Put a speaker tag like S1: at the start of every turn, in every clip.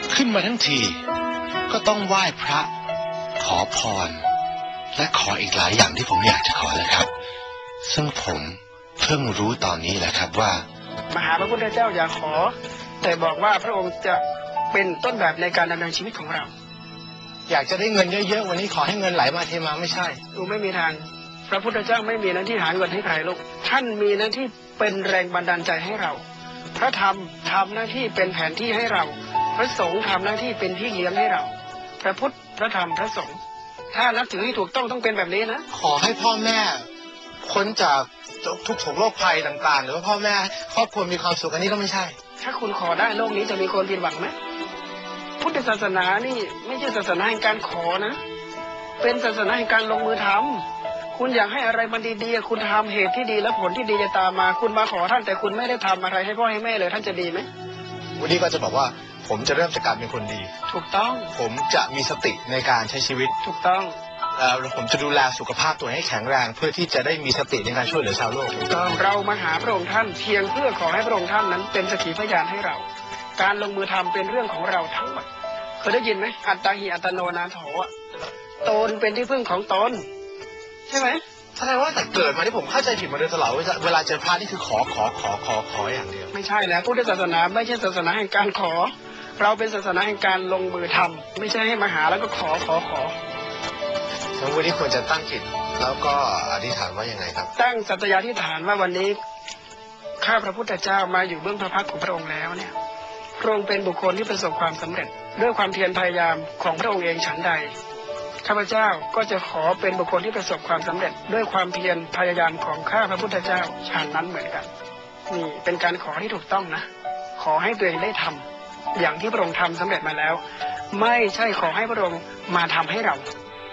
S1: ขึ้นมาทั้งทีก็ต้องไหว้พระขอพรและขออีกหลายอย่างที่ผมอยากจะขอเลยครับซึ่งผมเพิ่งรู้ตอนนี้แหละครับว่า
S2: มาหาพระพุทธเจ้าอย่าขอแต่บอกว่าพระองค์จะเป็นต้นแบบในการดำเนินชีวิตของเรา
S3: อยากจะได้เงินเยอะๆวันนี้ขอให้เงินไหลมาเทมาไม่ใช่
S2: ดูไม่มีทางพระพุทธเจ้าไม่มีหน้าที่หาเงินให้ใครลูกท่านมีหน้าที่เป็นแรงบันดาลใจให้เราพระธรรมทำหน้าที่เป็นแผนที่ให้เราพระสงฆ์ทำหน้าที่เป็นพี่เลี้ยงให้เราพระพุทธพระธรรมพระสงฆ์ถ้านับถือให้ถูกต้องเป็นแบบนี้นะ
S3: ขอให้พ่อแม่พ้นจากทุกโศกโรคภัยต่างๆหรือว่าพ่อแม่ครอบครัวมีความสุขอันนี้ก็ไม่ใช่
S2: ถ้าคุณขอได้โลกนี้จะมีคนผิดหวังไหมพุทธศาสนานี่ไม่ใช่ศาสนาแห่งการขอนะเป็นศาสนาแห่งการลงมือทำคุณอยากให้อะไรมันดีๆคุณทำเหตุที่ดีและผลที่ดีจะตามมาคุณมาขอท่านแต่คุณไม่ได้ทำอะไรให้พ่อให้แม่เลยท่านจะดีไหม
S3: วันนี้ก็จะบอกว่าผมจะเริ่มจากการเป็นคนดี
S2: ถูกต้อง
S3: ผมจะมีสติในการใช้ชีวิต
S2: ถูกต้อง
S3: แล้วผมจะดูแลสุขภาพตัวให้แข็งแรงเพื่อที่จะได้มีสติในการช่วยเหลือชาวโลก
S2: ถูกต้องเรามาหาพระองค์ท่านเพียงเพื่อขอให้พระองค์ท่านนั้นเป็นสักขีพยานให้เราการลงมือทำเป็นเรื่องของเราทั้งหมดเคยได้ยินไหมอัตตาหิอัตโนนาโถตนเป็นที่พึ่งของตนใช่ไหม
S3: แสดงว่าแต่เกิดมาที่ผมเข้าใจผิดมาโดยตลอดเวลาเจอพระนี่คือขออย่างเดียว
S2: ไม่ใช่แล้วพุทธศาสนาไม่ใช่ศาสนาแห่งการขอเราเป็นศาสนาแห่งการลงมือทำไม่ใช่ให้มาหาแล้วก็ขอ
S3: แล้ววันนี้ควรจะตั้งจิตแล้วก็อธิษฐานว่ายังไงครับ
S2: ตั้งสัตยาธิษฐานว่าวันนี้ข้าพระพุทธเจ้ามาอยู่เบื้องพระพักตร์ของพระองค์แล้วเนี่ยพระองค์เป็นบุคคลที่ประสบความสำเร็จด้วยความเพียรพยายามของพระองค์เองฉันใดข้าพเจ้าก็จะขอเป็นบุคคลที่ประสบความสำเร็จด้วยความเพียรพยายามของข้าพระพุทธเจ้าฉันนั้นเหมือนกันนี่เป็นการขอที่ถูกต้องนะขอให้ตัวเองได้ทำอย่างที่พระองค์ทำสำเร็จมาแล้วไม่ใช่ขอให้พระองค์มาทำให้เรา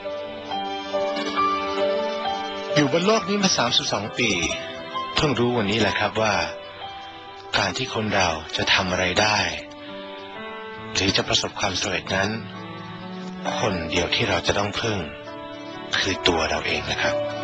S1: อยู่บนโลกนี้มา32 ปีเพิ่งรู้วันนี้แหละครับว่าการที่คนเราจะทำอะไรได้หรือจะประสบความสำเร็จนั้นคนเดียวที่เราจะต้องพึ่งคือตัวเราเองนะครับ